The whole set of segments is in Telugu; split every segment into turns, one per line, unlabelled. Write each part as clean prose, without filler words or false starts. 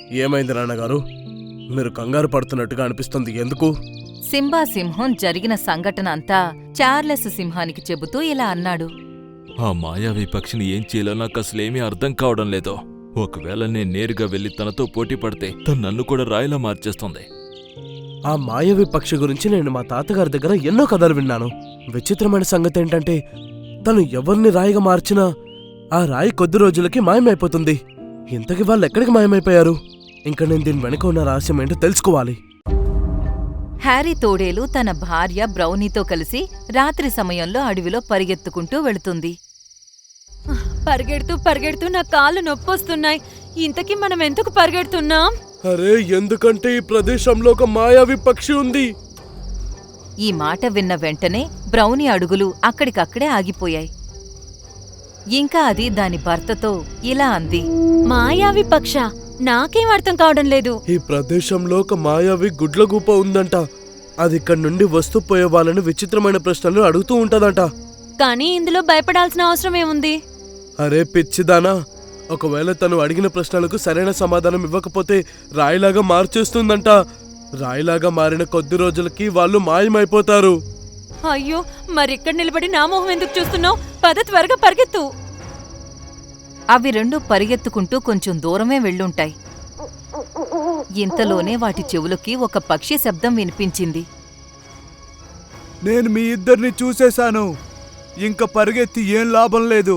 ఏమైంది నాన్నగారు? మీరు కంగారు పడుతున్నట్టుగా అనిపిస్తుంది, ఎందుకు?
సింబా సింహం జరిగిన సంఘటన అంతా చార్లెస్ సింహానికి చెబుతూ ఇలా అన్నాడు.
ఆ మాయావి పక్షిని ఏం చేయాలో నాకు అసలేమీ అర్థం కావడం లేదు. ఒకవేళ నేను నేరుగా వెళ్లి తనతో పోటీ పడితే తను నన్ను కూడా రాయిలా మార్చేస్తుంది.
ఆ మాయావి పక్షి గురించి నేను మా తాతగారి దగ్గర ఎన్నో కథలు విన్నాను. విచిత్రమైన సంగతి ఏంటంటే తను ఎవరిని రాయిగా మార్చినా ఆ రాయి కొద్ది రోజులకి మాయమైపోతుంది. ఇంతకీ వాళ్ళు ఎక్కడికి మాయమైపోయారు? ఇంకా నేను దీని వెనుక ఉన్న రహస్యం ఏంటో తెలుసుకోవాలి.
హ్యారీ తోడేలు తన భార్య బ్రౌనీతో కలిసి రాత్రి సమయంలో అడవిలో పరిగెత్తుకుంటూ వెళుతుంది. పరిగెడుతూ పరిగెడుతూ నా కాళ్ళు నొప్పొస్తున్నాయి. ఇంతకీ మనం ఎందుకు పరిగెడుతున్నాం?
అరే, ఎందుకంటే ఈ ప్రదేశంలో ఒక మాయావి పక్షి ఉంది.
ఈ మాట విన్న వెంటనే బ్రౌనీ అడుగులు అక్కడికక్కడే ఆగిపోయాయి. ఇంకా అది దాని భర్తతో ఇలా అంది. మాయావి పక్ష, నాకేం అర్థం కావడం లేదు.
ఈ ప్రదేశంలో ఒక మాయావి గుడ్లగూప ఉందంట. అది ఇక్కడి నుండి వస్తూ పోయే వాళ్ళని విచిత్రమైన ప్రశ్నలు అడుగుతూ ఉంటదంట.
కానీ ఇందులో భయపడాల్సిన అవసరమేముంది?
అరే పిచ్చిదానా, ఒకవేళ తను అడిగిన ప్రశ్నలకు సరైన సమాధానం ఇవ్వకపోతే రాయిలాగా మార్చేస్తుందంట. రాయిలాగా మారిన కొద్ది రోజులకి వాళ్ళు మాయమైపోతారు.
అయ్యో, మరిక్కడ నిలబడి నా మొహం ఎందుకు చూస్తున్నావు? పద, త్వరగా పరిగెత్తు. అవి రెండు పరిగెత్తుకుంటూ కొంచెం దూరమే వెళ్ళుంటాయి. ఇంతలోనే వాటి చెవులకి ఒక పక్షి శబ్దం వినిపించింది.
నేను మీ ఇద్దరిని చూసేశాను. ఇంక పరిగెత్తి ఏం లాభం లేదు.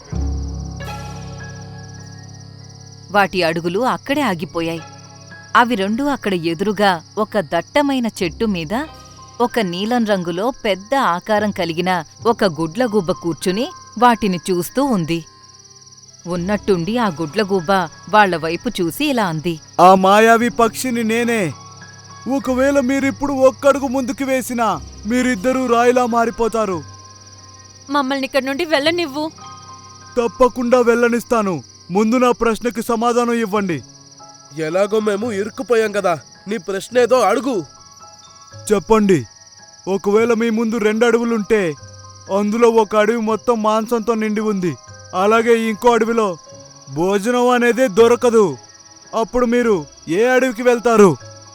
వాటి అడుగులు అక్కడే ఆగిపోయాయి. అవి రెండూ అక్కడ ఎదురుగా ఒక దట్టమైన చెట్టు మీద ఒక నీలం రంగులో పెద్ద ఆకారం కలిగిన ఒక గుడ్లగూబ కూర్చుని వాటిని చూస్తూ ఉంది. ఉన్నట్టుండి ఆ గుడ్లగూబ వాళ్ల వైపు చూసి ఇలా అంది.
ఆ మాయావి పక్షిని నేనే. ఒకవేళ మీరిప్పుడు ఒక్కడుగు ముందుకు వేసినా మీరిద్దరూ రాయిలా మారిపోతారు.
మమ్మల్ని ఇక్కడి నుండి వెళ్ళనివ్వు.
తప్పకుండా వెళ్ళనిస్తాను. ముందు నా ప్రశ్నకి సమాధానం ఇవ్వండి.
ఎలాగో మేము ఇరుక్కుపోయాం కదా, నీ ప్రశ్న ఏదో అడుగు.
చెప్పండి. ఒకవేళ మీ ముందు 2 అడవులుంటే అందులో ఒక అడవి మొత్తం మాంసంతో నిండి ఉంది, అలాగే ఇంకో అడవిలో భోజనం అనేదే దొరకదు. అప్పుడు మీరు ఏ అడవికి వెళ్తారు?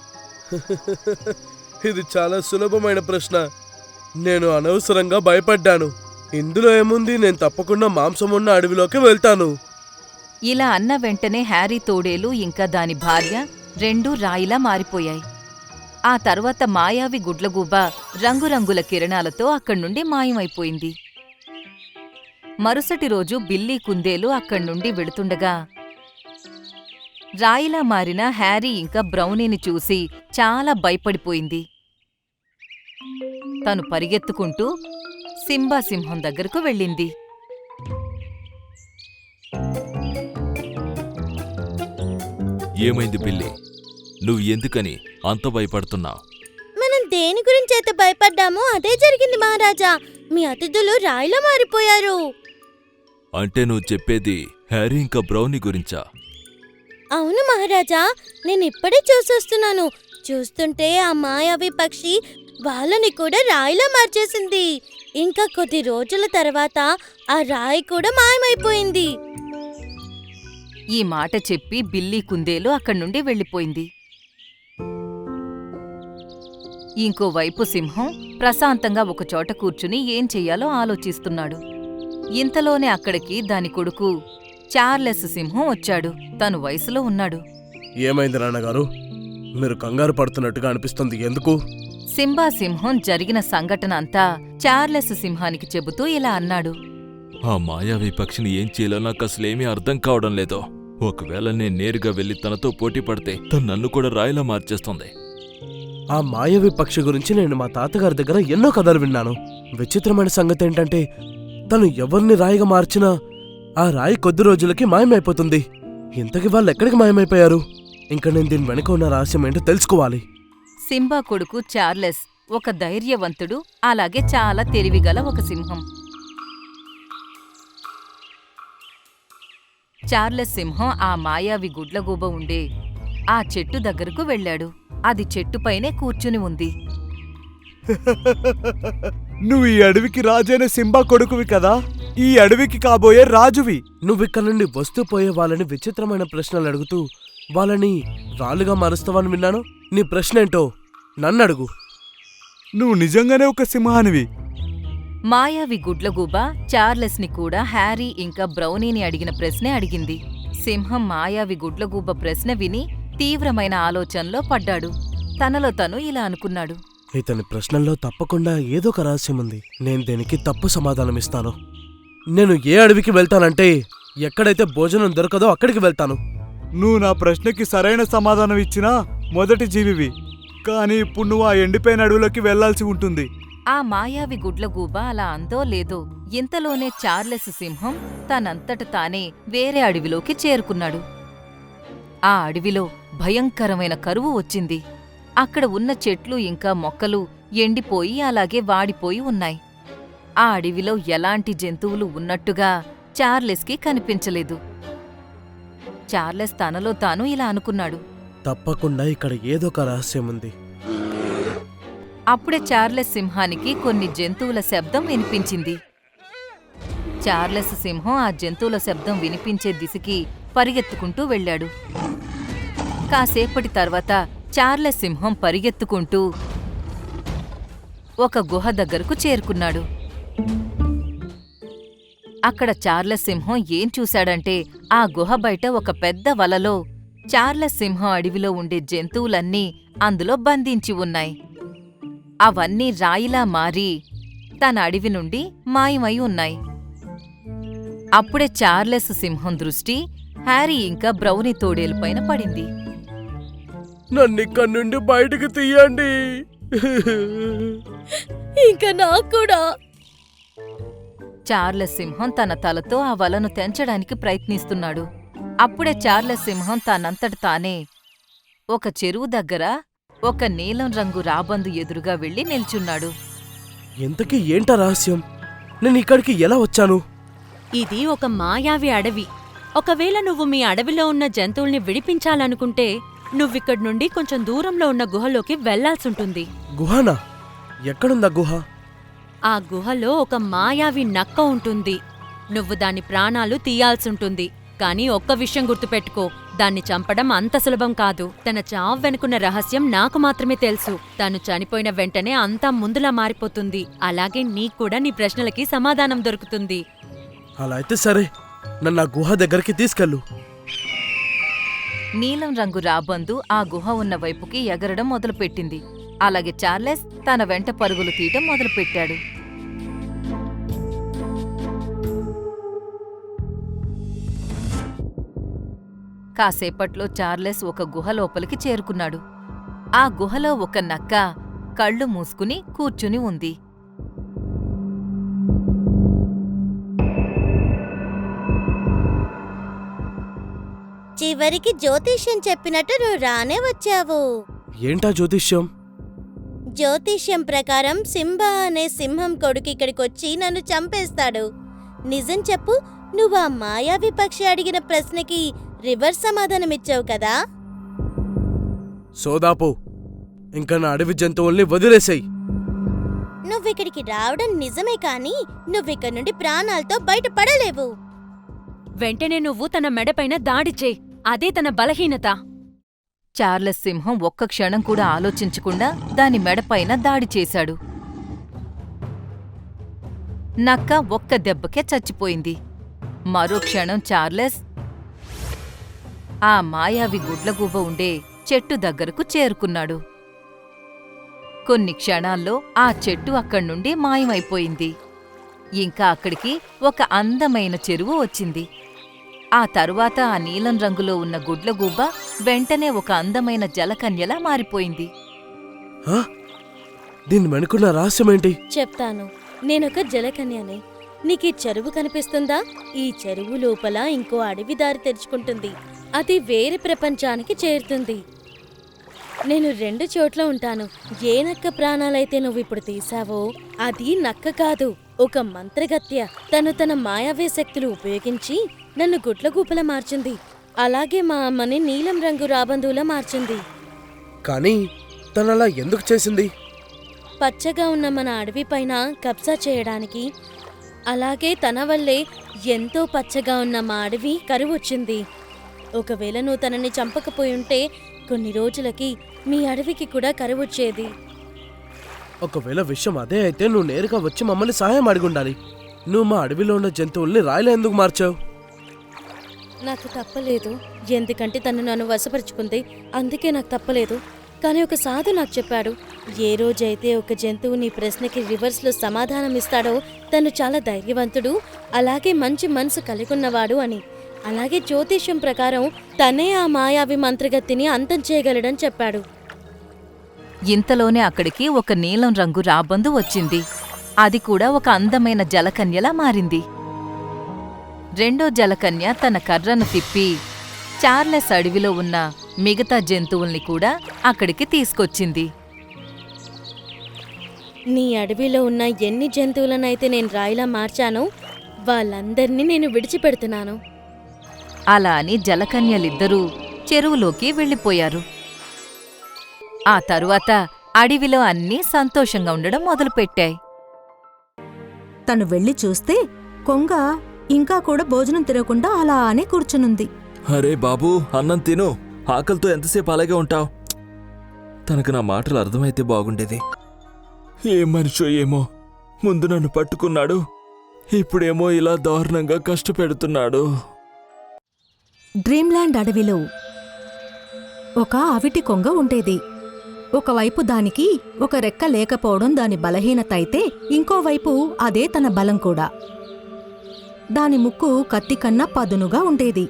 ఇది చాలా సులభమైన ప్రశ్న. నేను అనవసరంగా భయపడ్డాను. ఇందులో ఏముంది, నేను తప్పకుండా మాంసం ఉన్న అడవిలోకి వెళ్తాను.
ఇలా అన్న వెంటనే హ్యారీ తోడేలు ఇంకా దాని భార్య రెండూ రాయిలా మారిపోయాయి. ఆ తర్వాత మాయావి గుడ్లగూబ రంగురంగుల కిరణాలతో అక్కడ్నుండి మాయమైపోయింది. మరుసటి రోజు బిల్లీ కుందేలు అక్కడ్నుండి వెళుతుండగా రాయిలా మారిన హ్యారీ ఇంకా బ్రౌనీని చూసి చాలా భయపడిపోయింది. తను పరిగెత్తుకుంటూ సింబా సింహం దగ్గరకు వెళ్ళింది.
ఏమైంది బిల్లీ? నువ్వు ఎందుకని అంత భయపడుతున్నావు?
మనం దేని గురించి అయితే భయపడ్డామో అదే జరిగింది మహారాజా. మీ అతిథులు రాయిలా మారిపోయారు.
అంటే నువ్వు చెప్పేది హ్యారీ ఇంకా బ్రౌనీ గురించా?
అవును మహారాజా, నేను ఇప్పుడే చూసొస్తున్నాను. చూస్తుంటే ఆ మాయావి పక్షి వాళ్ళని కూడా రాయిలా మార్చేసింది. ఇంకా కొద్ది రోజుల తర్వాత ఆ రాయి కూడా మాయమైపోయింది.
ఈ మాట చెప్పి బిల్లీ కుందేలు అక్కడ్నుండి వెళ్ళిపోయింది. ఇంకోవైపు సింహం ప్రశాంతంగా ఒకచోట కూర్చుని ఏం చెయ్యాలో ఆలోచిస్తున్నాడు. ఇంతలోనే అక్కడికి దాని కొడుకు చార్లెస్ సింహం వచ్చాడు. తను వయసులో ఉన్నాడు.
ఏమైంది నాన్నగారు? మీరు కంగారు పడుతున్నట్టుగా అనిపిస్తుంది, ఎందుకు?
సింబా సింహం జరిగిన సంఘటన అంతా చార్లెస్ సింహానికి చెబుతూ ఇలా అన్నాడు.
ఆ మాయావి పక్షిని ఏం చేయాలో నాకు అసలేమీ అర్థం కావడం లేదు. ఒకవేళ నేను నేరుగా వెళ్లి తనతో పోటీ పడితే తను నన్ను కూడా రాయిలా మార్చేస్తుంది.
ఆ మాయావి పక్షి గురించి నేను మా తాతగారి దగ్గర ఎన్నో కథలు విన్నాను. విచిత్రమైన సంగతి ఏంటంటే తను ఎవరిని రాయిగా మార్చినా ఆ రాయి కొద్ది రోజులకి మాయమైపోతుంది. ఇంతకీ వాళ్ళు ఎక్కడికి మాయమైపోయారు? ఇంకా నేను దీని వెనుక ఉన్న రహస్యం ఏంటో తెలుసుకోవాలి.
సింబా కొడుకు చార్లెస్ ఒక ధైర్యవంతుడు, అలాగే చాలా తెలివిగల ఒక సింహం. చార్లెస్ సింహం ఆ మాయావి గుడ్లగూబ ఉండే ఆ చెట్టు దగ్గరకు వెళ్ళాడు. అది చెట్టుపైనే కూర్చుని ఉంది.
నువ్వు ఈ అడవికి రాజైన సింబా కొడుకువి కదా, ఈ అడవికి కాబోయే రాజువి.
నువ్విక్కడ నుండి వస్తూ పోయే వాళ్ళని విచిత్రమైన ప్రశ్నలు అడుగుతూ వాళ్ళని రాళ్ళుగా మారుస్తావని విన్నాను. నీ ప్రశ్న ఏంటో నన్నడుగు.
నువ్వు నిజంగానే ఒక సింహానివి.
మాయావి గుడ్లగూబ చార్లెస్ని కూడా హ్యారీ ఇంకా బ్రౌనీని అడిగిన ప్రశ్నే అడిగింది. సింహం మాయావి గుడ్లగూబ ప్రశ్న విని తీవ్రమైన ఆలోచనలో పడ్డాడు. తనలో తను ఇలా అనుకున్నాడు.
ఇతని ప్రశ్నల్లో తప్పకుండా ఏదో ఒక రహస్యం ఉంది. నేను దీనికి తప్పు సమాధానమిస్తాను. నేను ఏ అడవికి వెళ్తానంటే ఎక్కడైతే భోజనం దొరకదో అక్కడికి వెళ్తాను.
నువ్వు నా ప్రశ్నకి సరైన సమాధానం ఇచ్చినా మొదటి జీవివి. కానీ ఇప్పుడు నువ్వు ఆ ఎండిపోయిన అడవిలోకి వెళ్లాల్సి ఉంటుంది.
ఆ మాయావి గుడ్లగూబ అలా అందో లేదో ఇంతలోనే చార్లెస్ సింహం తనంతట తానే వేరే అడవిలోకి చేరుకున్నాడు. ఆ అడవిలో భయంకరమైన కరువు వచ్చింది. అక్కడ ఉన్న చెట్లు ఇంకా మొక్కలు ఎండిపోయి అలాగే వాడిపోయి ఉన్నాయి. ఆ అడవిలో ఎలాంటి జంతువులు ఉన్నట్టుగా చార్లెస్కి కనిపించలేదు. చార్లెస్ తనలో తాను ఇలా అనుకున్నాడు.
తప్పకుండా ఇక్కడ ఏదో ఒక రహస్యం ఉంది.
అప్పుడే చార్లెస్ సింహానికి కొన్ని జంతువుల శబ్దం వినిపించింది. చార్లెస్ సింహం ఆ జంతువుల శబ్దం వినిపించే దిశకి పరిగెత్తుకుంటూ వెళ్ళాడు. కాసేపటి తర్వాత చార్లెస్ సింహం పరిగెత్తుకుంటూ ఒక గుహ దగ్గరకు చేరుకున్నాడు. అక్కడ చార్లెస్ సింహం ఏం చూశాడంటే ఆ గుహ బయట ఒక పెద్ద వలలో చార్లెస్ సింహం అడవిలో ఉండే జంతువులన్నీ అందులో బంధించి ఉన్నాయి. అవన్నీ రాయిలా మారి తన అడవి నుండి మాయమై ఉన్నాయి. అప్పుడే చార్లెస్ సింహం దృష్టి హ్యారీ ఇంకా బ్రౌనీ తోడేలుపైన పడింది.
నన్నిక్కడి నుండి బయటికి తీయండి.
ఇంకా నాకు కూడా.
చార్లెస్ సింహం తన తలతో ఆ వలను తెంచడానికి ప్రయత్నిస్తున్నాడు. అప్పుడే చార్లెస్ సింహం తనంతట తానే ఒక చెరువు దగ్గర ఒక నీలం రంగు రాబందు ఎదురుగా వెళ్లి నిల్చున్నాడు.
ఎంతకీ ఏంటా రహస్యం? నేను ఇక్కడికి ఎలా వచ్చాను?
ఇది ఒక మాయావి అడవి. ఒకవేళ నువ్వు మీ అడవిలో ఉన్న జంతువుల్ని విడిపించాలనుకుంటే నువ్విక్కడి నుండి కొంచెం దూరంలో ఉన్న గుహలోకి వెళ్లాల్సుంటుంది.
గుహనా? ఎక్కడుందా గుహ?
ఆ గుహలో ఒక మాయావి నక్క ఉంటుంది. నువ్వు దాని ప్రాణాలు తీయాల్సుంటుంది. కానీ ఒక్క విషయం గుర్తుపెట్టుకో, దాన్ని చంపడం అంత సులభం కాదు. తన చావు వెనుకున్న రహస్యం నాకు మాత్రమే తెలుసు. తను చనిపోయిన వెంటనే అంతా ముందులా మారిపోతుంది. అలాగే నీక్కూడా నీ ప్రశ్నలకి సమాధానం దొరుకుతుంది.
అలా అయితే సరే, నన్ను ఆ గుహ దగ్గరికి తీసుకెళ్ళు.
నీలం రంగు రాబందు ఆ గుహ ఉన్న వైపుకి ఎగరడం మొదలుపెట్టింది. అలాగే చార్లెస్ తన వెంట పరుగులు తీయటం మొదలుపెట్టాడు. కాసేపట్లో చార్లెస్ ఒక గుహ లోపలికి చేరుకున్నాడు. ఆ గుహలో ఒక నక్క కళ్ళు మూసుకుని కూర్చుని ఉంది.
చివరికి జ్యోతిష్యం చెప్పినట్టు నువ్వు రానే వచ్చావు.
ఏంటా జ్యోతిష్యం?
జ్యోతిష్యం ప్రకారం సింబా అనే సింహం కొడుకు ఇక్కడికొచ్చి నన్ను చంపేస్తాడు. నిజం చెప్పు, నువ్వు ఆ మాయావి పక్షి అడిగిన ప్రశ్నకి రివర్స్ సమాధానమిచ్చావు కదా?
సోదాపు, ఇంకా నా అడవి జంతువుల్ని వదిలేసేయ్.
నువ్విక్కడికి రావడం నిజమే కానీ నువ్విక్కడి నుండి ప్రాణాలతో బయటపడలేవు.
వెంటనే నువ్వు తన మెడపైన దాడి చేయి. అదే తన బలహీనత.
చార్లెస్ సింహం ఒక్క క్షణం కూడా ఆలోచించకుండా దాని మెడపైన దాడి చేశాడు. నక్క ఒక్క దెబ్బకే చచ్చిపోయింది. మరో క్షణం చార్లెస్ ఆ మాయావి గుడ్లగూబ ఉండే చెట్టు దగ్గరకు చేరుకున్నాడు. కొన్ని క్షణాల్లో ఆ చెట్టు అక్కడ్నుండి మాయమైపోయింది. ఇంకా అక్కడికి ఒక అందమైన చెరువు వచ్చింది. ఆ తరువాత ఆ నీలం రంగులో ఉన్న గుడ్లగూబ వెంటనే ఒక అందమైన జలకన్యలా మారిపోయింది.
దీని వెనుకున్న రహస్యమేంటి?
చెప్తాను. నేనొక జలకన్యని. నీకీ చెరువు కనిపిస్తుందా? ఈ చెరువు లోపల ఇంకో అడవి దారి తెరుచుకుంటుంది. అది వేరే ప్రపంచానికి చేరుతుంది. నేను 2 చోట్ల ఉంటాను. ఏ నక్క ప్రాణాలైతే నువ్విప్పుడు తీశావో అది నక్క కాదు, ఒక మంత్రగత్య. తను తన మాయావే శక్తులు ఉపయోగించి నన్ను గుడ్లగూపలా మార్చింది. అలాగే మా అమ్మని నీలం రంగు రాబందువులా మార్చింది.
కానీ తనలా ఎందుకు చేసింది?
పచ్చగా ఉన్న మన అడవి పైన కబ్జా చేయడానికి. అలాగే తన వల్లే ఎంతో పచ్చగా ఉన్న మా అడవి కరువొచ్చింది. ఒకవేళ నువ్వు తనని చంపకపోయి ఉంటే కొన్ని రోజులకి మీ అడవికి కూడా కరువొచ్చేది.
ఒకవేళ విషయం అదే అయితే నువ్వు నేరుగా వచ్చి మమ్మల్ని సహాయం అడిగుండాలి. నువ్వు మా అడవిలో ఉన్న జంతువుల్ని రాయిలా ఎందుకు మార్చావు?
నాకు తప్పలేదు, ఎందుకంటే తను నన్ను వశపరుచుకుంది, అందుకే నాకు తప్పలేదు. కానీ ఒక సాధు నాకు చెప్పాడు, ఏ రోజైతే ఒక జంతువు నీ ప్రశ్నకి రివర్స్లో సమాధానం ఇస్తాడో తను చాలా ధైర్యవంతుడు, అలాగే మంచి మనసు కలిగున్నవాడు అని. అలాగే జ్యోతిష్యం ప్రకారం తనే ఆ మాయావి మంత్రగతిని అంతం చేయగలడని చెప్పాడు.
ఇంతలోనే అక్కడికి ఒక నీలం రంగు రాబందు వచ్చింది. అది కూడా ఒక అందమైన జలకన్యలా మారింది. రెండో జలకన్య తన కర్రను తిప్పి చార్లెస్ అడవిలో ఉన్న మిగతా జంతువుల్ని కూడా అక్కడికి తీసుకొచ్చింది.
నీ అడవిలో ఉన్న ఎన్ని జంతువులనైతే నేను రాయిలా మార్చానో వాళ్ళందర్నీ నేను విడిచిపెడుతున్నాను.
అలా అని జలకన్యలిద్దరూ చెరువులోకి వెళ్ళిపోయారు. ఆ తరువాత అడవిలో అన్నీ సంతోషంగా ఉండడం మొదలుపెట్టాయి.
తను వెళ్ళి చూస్తే కొంగ ఇంకా కూడా భోజనం తినకుండా అలానే కూర్చునుంది.
అరే బాబూ, అన్నం తిను. ఆకలితో ఎంతసేపు అలాగే ఉంటావు? తనకు నా మాటలు అర్థమైతే బాగుండేది. ఏ మనిషో ఏమో, ముందు నన్ను పట్టుకున్నాడు, ఇప్పుడేమో ఇలా దారుణంగా కష్టపెడుతున్నాడు.
డ్రీమ్ల్యాండ్ అడవిలో ఒక అవిటి కొంగ ఉండేది. ఒకవైపు దానికి ఒక రెక్క లేకపోవడం దాని బలహీనత అయితే, ఇంకోవైపు అదే తన బలం కూడా. దాని ముక్కు కత్తి కన్నా పదునుగా ఉండేది.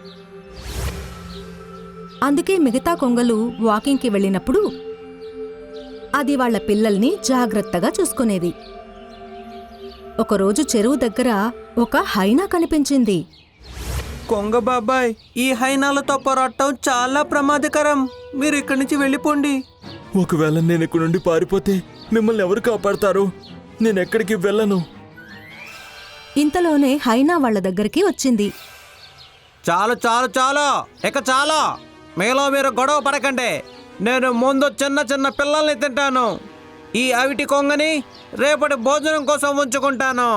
అందుకే మిగతా కొంగలు వాకింగ్కి వెళ్ళినప్పుడు అది వాళ్ల పిల్లల్ని జాగ్రత్తగా చూసుకునేది. ఒకరోజు చెరువు దగ్గర ఒక హైనా కనిపించింది.
కొంగ బాబాయ్, ఈ హైనాలతో పోరాటం చాలా ప్రమాదకరం. మీరు ఇక్కడి నుంచి వెళ్ళిపోండి.
ఒకవేళ నేను ఇక్కడి నుండి పారిపోతే మిమ్మల్ని ఎవరు కాపాడతారు? నేనెక్కడికి వెళ్ళను.
ఇంతలోనే హైనా వాళ్ల దగ్గరికి వచ్చింది.
చాలు చాలు చాలు, ఇక చాలు. మీలో మీరు గొడవ పడకండి. నేను ముందు చిన్న చిన్న పిల్లల్ని తింటాను. ఈ అవిటి కొంగని రేపటి భోజనం కోసం ఉంచుకుంటాను.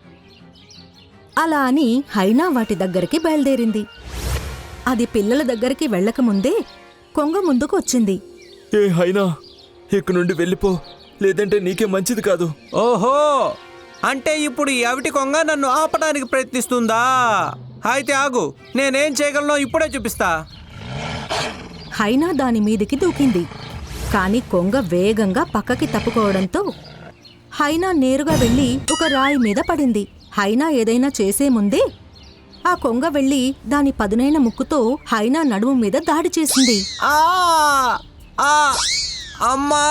అలా అని హైనా వాటి దగ్గరికి బయలుదేరింది. అది పిల్లల దగ్గరికి వెళ్ళకముందే కొంగ ముందుకు వచ్చింది.
ఏ హైనా, ఇక్కడి నుండి వెళ్ళిపో, లేదంటే నీకే మంచిది కాదు.
ఓహో, అంటే ఇప్పుడు ఈ అవిటి కొంగ నన్ను ఆపడానికి ప్రయత్నిస్తుందా? అయితే ఆగు, నేనేం చేయగలనో ఇప్పుడే చూపిస్తా.
హైనా దాని మీదికి దూకింది. కాని కొంగ వేగంగా పక్కకి తప్పుకోవడంతో హైనా నేరుగా వెళ్లి ఒక రాయి మీద పడింది. హైనా ఏదైనా చేసే ముందే ఆ కొంగ వెళ్లి దాని పదునైన ముక్కుతో హైనా నడుము మీద దాడి చేసింది.
ఆ ఆ అమ్మా!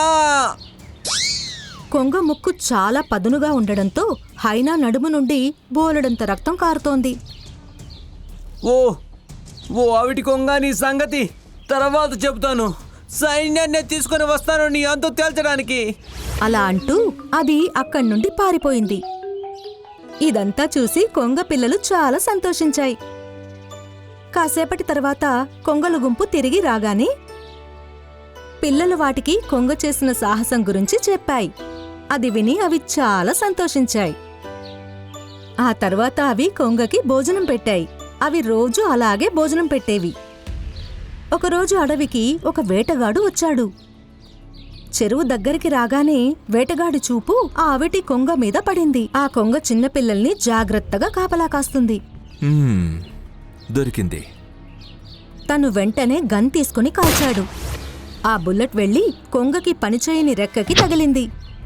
కొంగ ముక్కు చాలా పదునుగా ఉండడంతో హైనా నడుము నుండి బోలెడంత రక్తం కారుతోంది.
ఓ ఓ అవిటి కొంగ, నీ సంగతి తర్వాత చెబుతాను. సైన్యాన్ని తీసుకుని వస్తాను నీ అంతు తేల్చడానికి.
అలా అంటూ అది అక్కడి నుండి పారిపోయింది. ఇదంతా చూసి కొంగ పిల్లలు చాలా సంతోషించాయి. కాసేపటి తర్వాత కొంగల గుంపు తిరిగి రాగానే పిల్లలు వాటికి కొంగ చేసిన సాహసం గురించి చెప్పాయి. అది విని అవి చాలా సంతోషించాయి. ఆ తర్వాత అవి కొంగకి భోజనం పెట్టాయి. అవి రోజూ అలాగే భోజనం పెట్టేవి. ఒకరోజు అడవికి ఒక వేటగాడు వచ్చాడు. చెరువు దగ్గరికి రాగానే వేటగాడి చూపు ఆ అవిటి కొంగ మీద పడింది. ఆ కొంగ చిన్నపిల్లల్ని జాగ్రత్తగా కాపలా కాస్తుంది.
దొరికింది.
తను వెంటనే గన్ తీసుకుని కాల్చాడు. ఆ బుల్లెట్ వెళ్లి కొంగకి పనిచేయని రెక్కకి తగిలింది.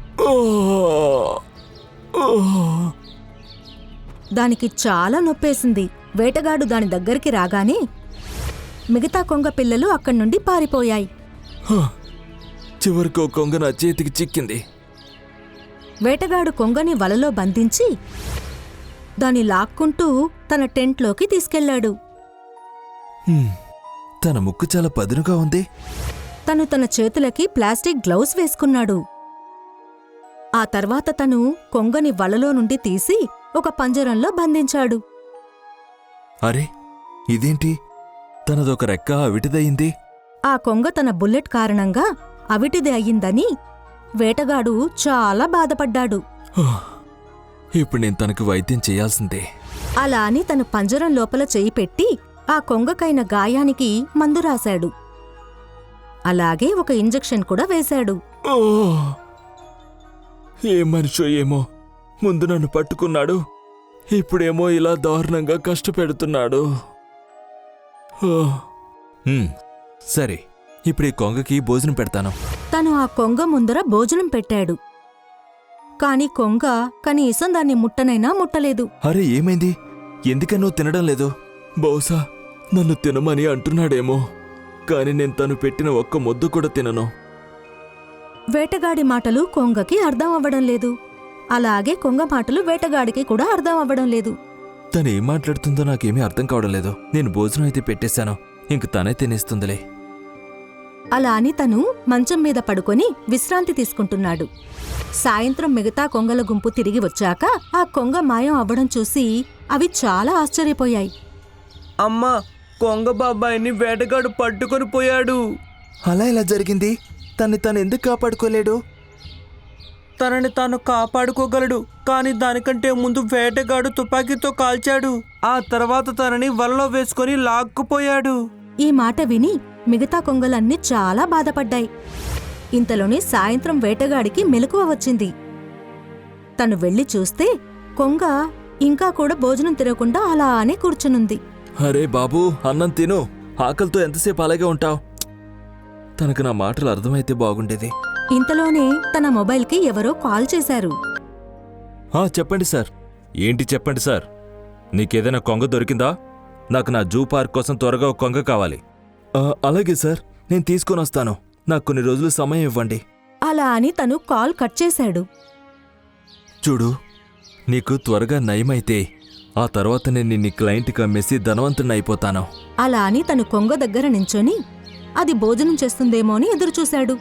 దానికి చాలా నొప్పేసింది. వేటగాడు దాని దగ్గరికి రాగానే మిగతా కొంగ పిల్లలు అక్కడి నుండి పారిపోయాయి.
చివరికి కొంగ నా చేతికి చిక్కింది.
వేటగాడు కొంగని వలలో బంధించి దాన్ని లాక్కుంటూ తన టెంట్లోకి తీసుకెళ్లాడు.
తన ముక్కు చాలా పదునుగా ఉంది.
తను తన చేతులకి ప్లాస్టిక్ గ్లౌస్ వేసుకున్నాడు. ఆ తర్వాత తను కొంగని వలలో నుండి తీసి ఒక పంజరంలో బంధించాడు.
అరే, ఇదేంటి? తనదొక రెక్క అవిటిదయింది.
ఆ కొంగ తన బుల్లెట్ కారణంగా అవిటిది అయ్యిందని వేటగాడు చాలా బాధపడ్డాడు.
ఇప్పుడు నేను తనకు వైద్యం చేయాల్సిందే.
అలా అని తను పంజరం లోపల చెయ్యి పెట్టి ఆ కొంగకైన గాయానికి మందు రాశాడు. అలాగే ఒక ఇంజెక్షన్ కూడా వేశాడు.
ఓ! ఏ మనిషో ఏమో, ముందు నన్ను పట్టుకున్నాడు, ఇప్పుడేమో ఇలా దారుణంగా కష్టపెడుతున్నాడు. ఓ! సరే, ఇప్పుడు ఈ కొంగకి భోజనం పెడతాను.
తను ఆ కొంగ ముందర భోజనం పెట్టాడు. కాని కొంగ కనీసం దాన్ని ముట్టనైనా ముట్టలేదు.
అరే ఏమైంది? ఎందుకనో తినడం లేదు? బహుశా నన్ను తినమని అంటున్నాడేమో, కాని నేను తను పెట్టిన ఒక్క ముద్దు కూడా తినను.
వేటగాడి మాటలు కొంగకి అర్థం అవ్వడం లేదు. అలాగే కొంగ మాటలు వేటగాడికి కూడా అర్థం అవ్వడం లేదు.
తను ఏం మాట్లాడుతుందో నాకేమీ అర్థం కావడం లేదు. నేను భోజనం అయితే పెట్టేశాను, ఇంక తనే తినేస్తుందిలే.
అలా అని తను మంచం మీద పడుకొని విశ్రాంతి తీసుకుంటున్నాడు. సాయంత్రం మిగతా కొంగల గుంపు తిరిగి వచ్చాక ఆ కొంగ మాయం అవ్వడం చూసి అవి చాలా ఆశ్చర్యపోయాయి.
అమ్మా, కొంగ బాబాయిని వేటగాడు పట్టుకొని పోయాడు.
అలా ఎలా జరిగింది? తను ఎందుకు కాపాడుకోలేడు?
తనని తాను కాపాడుకోగలడు, కానీ దానికంటే ముందు వేటగాడు తుపాకీతో కాల్చాడు. ఆ తర్వాత తనని వలలో వేసుకొని లాక్కుపోయాడు.
ఈ మాట విని మిగతా కొంగలన్నీ చాలా బాధపడ్డాయి. ఇంతలోనే సాయంత్రం వేటగాడికి మెలకువ వచ్చింది. తను వెళ్లి చూస్తే కొంగ ఇంకా కూడా భోజనం తినకుండా అలానే కూర్చునుంది.
అరే బాబూ, అన్నం తిను, ఆకలితో ఎంతసేపు అలాగే ఉంటావు? తనకు నా మాటలు అర్థమైతే బాగుండేది.
ఇంతలోనే తన మొబైల్కి ఎవరో కాల్ చేశారు.
చెప్పండి సార్. ఏంటి చెప్పండి సార్? నీకేదైనా కొంగ దొరికిందా? నాకు నా జూ పార్క్ కోసం త్వరగా ఒక కొంగ కావాలి. అలాగే సార్, నేను తీసుకొని వస్తాను. నాకు కొన్ని రోజులు సమయం ఇవ్వండి.
అలా అని తను కాల్ కట్ చేశాడు.
చూడు, నీకు త్వరగా నయమైతే ఆ తర్వాత నేను నిన్ను క్లయింట్కి అమ్మేసి ధనవంతుడిని అయిపోతాను.
అలా అని తను కొంగ దగ్గర నించొని అది భోజనం చేస్తుందేమో అని ఎదురుచూశాడు.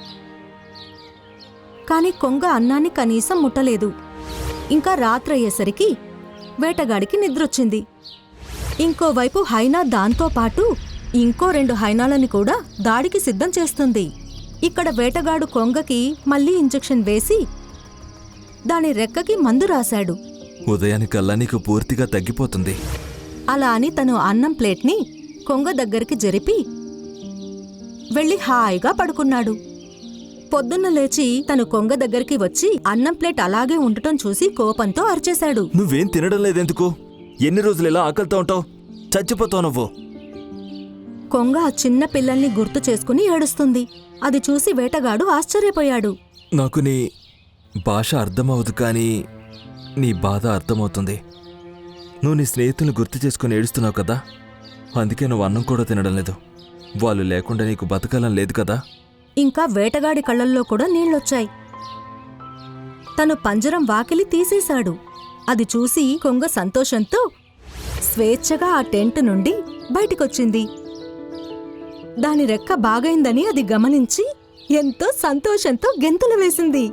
కాని కొంగ అన్నాన్ని కనీసం ముట్టలేదు. ఇంకా రాత్రయ్యేసరికి వేటగాడికి నిద్రొచ్చింది. ఇంకోవైపు హైనా దాంతో పాటు ఇంకో 2 హైనాలని కూడా దాడికి సిద్ధం చేస్తుంది. ఇక్కడ వేటగాడు కొంగకి మళ్లీ ఇంజెక్షన్ వేసి దాని రెక్కకి మందు రాశాడు.
ఉదయానికల్లా నీకు పూర్తిగా తగ్గిపోతుంది.
అలా అని తను అన్నం ప్లేట్ని కొంగ దగ్గరికి జరిపి వెళ్లి హాయిగా పడుకున్నాడు. పొద్దున్న లేచి తను కొంగ దగ్గరికి వచ్చి అన్నం ప్లేట్ అలాగే ఉండటం చూసి కోపంతో అరిచేశాడు.
నువ్వేం తినడం లేదెందుకు? ఎన్ని రోజులు ఇలా ఆకలితో ఉంటావు? చచ్చిపోతావు నువ్వు.
కొంగ ఆ చిన్న పిల్లల్ని గుర్తు చేసుకుని ఏడుస్తుంది. అది చూసి వేటగాడు ఆశ్చర్యపోయాడు.
నాకు నీ భాష అర్థమవదు, కానీ నీ బాధ అర్థమవుతుంది. నువ్వు నీ స్నేహితులను గుర్తు చేసుకుని ఏడుస్తున్నావు కదా, అందుకే నువ్వు అన్నం కూడా తినడం లేదు. వాళ్ళు లేకుండా నీకు బతకాలని లేదు కదా.
ఇంకా వేటగాడి కళ్ళల్లో కూడా నీళ్లొచ్చాయి. తను పంజరం వాకిలి తీసేశాడు. అది చూసి కొంగ సంతోషంతో స్వేచ్ఛగా ఆ టెంట్ నుండి బయటికొచ్చింది. దాని రెక్క బాగైందని అది గమనించి ఎంతో సంతోషంతో గెంతులు వేసింది.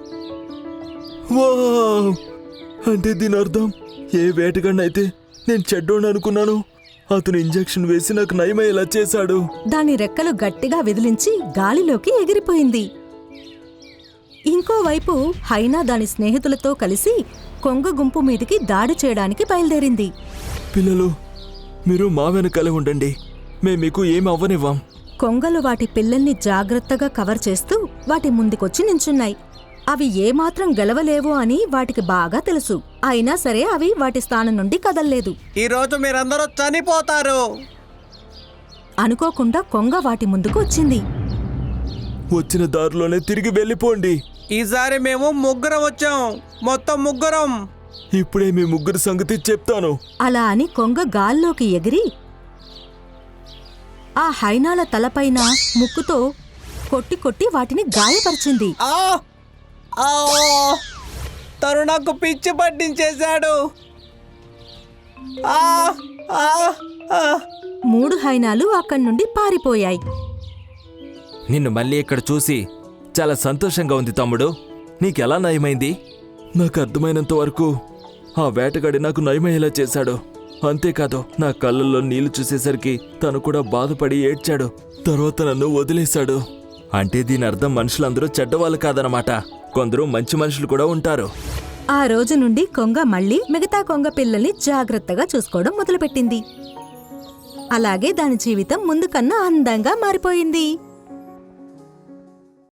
వావ్! అంటే దీని అర్థం, ఏ వేటగాడినైతే నేను చెడ్డోని అనుకున్నాను, అతను ఇంజెక్షన్ వేసి నాకు నయమయ్యేలా చేశాడు.
దాని రెక్కలు గట్టిగా విదిలించి గాలిలోకి ఎగిరిపోయింది. ఇంకోవైపు హైనా దాని స్నేహితులతో కలిసి కొంగ గుంపు మీదికి దాడి చేయడానికి బయలుదేరింది.
పిల్లలు, మీరు మా వెనకాలే ఉండండి, మేం మీకు ఏం అవ్వనివ్వం.
కొంగలు వాటి పిల్లల్ని జాగ్రత్తగా కవర్ చేస్తూ వాటి ముందుకొచ్చి నించున్నాయి. అవి ఏమాత్రం గెలవలేవు అని వాటికి బాగా తెలుసు. అయినా సరే అవి వాటి స్థానం నుండి కదల్లేదు.
ఈరోజు మీరందరూ చనిపోతారు.
అనుకోకుండా కొంగ వాటి ముందుకు వచ్చింది.
వచ్చిన దారిలోనే తిరిగి వెళ్ళిపోండి.
ఈసారి మేము 3 వచ్చాం, మొత్తం 3.
ఇప్పుడే మీ ముగ్గురు సంగతి చెప్తాను.
అలా అని కొంగ గాల్లోకి ఎగిరి ఆ హైనాల తలపైన ముక్కుతో కొట్టి కొట్టి వాటిని గాయపరిచింది.
తను నాకు పిచ్చి పట్టించేశాడు.
3 హైనాలు అక్కడి నుండి పారిపోయాయి.
నిన్ను మళ్ళీ ఇక్కడ చూసి చాలా సంతోషంగా ఉంది తమ్ముడు. నీకెలా నయమైంది? నాకు అర్థమైనంత వరకు ఆ వేటగాడి నాకు నయమయ్యేలా చేశాడు. అంతేకాదు, నా కళ్ళల్లో నీళ్లు చూసేసరికి తను కూడా బాధపడి ఏడ్చాడు. తర్వాత నన్ను వదిలేశాడు. అంటే దీని అర్థం మనుషులందరూ చెడ్డవాళ్ళు కాదనమాట. కొందరు మంచి మనుషులు కూడా ఉంటారు.
ఆ రోజు నుండి కొంగ మళ్ళీ మిగతా కొంగ పిల్లల్ని జాగ్రత్తగా చూసుకోవడం మొదలుపెట్టింది. అలాగే దాని జీవితం ముందు కన్నా అందంగా మారిపోయింది.